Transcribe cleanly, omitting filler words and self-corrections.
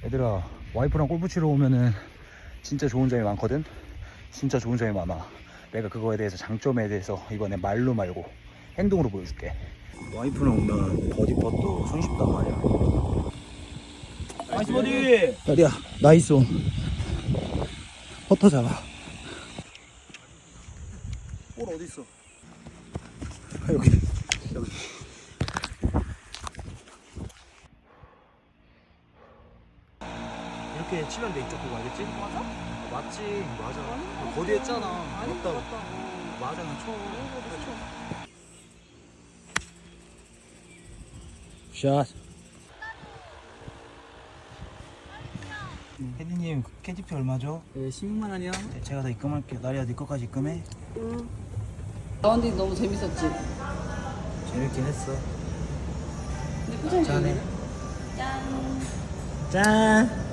얘들아, 와이프랑 골프 치러 오면은 진짜 좋은 점이 많거든. 진짜 좋은 점이 많아. 내가 그거에 대해서, 장점에 대해서 이번에 말로 말고 행동으로 보여줄게. 와이프랑 오면 버디 펫도 손쉽단 말이야. 나이스 버디! 야리야, 나이스 온. 퍼터 잡아. 볼 어딨어? 아, 여기. 이렇게 치면 돼. 이쪽 보고 알겠지? 맞아? 맞지? 맞아. 아니, 버디 했잖아. 아니, 맞다고. 맞다. 맞아, 난 쳐. 샷. 혜디님, 캐디피 얼마죠? 네, 16만 원이요. 네, 제가 다 입금할게요. 나리야, 네 거까지 입금해. 라운딩 너무 재밌었지? 재밌긴 했어. 근데 표정이 짠해. 짠. 짠.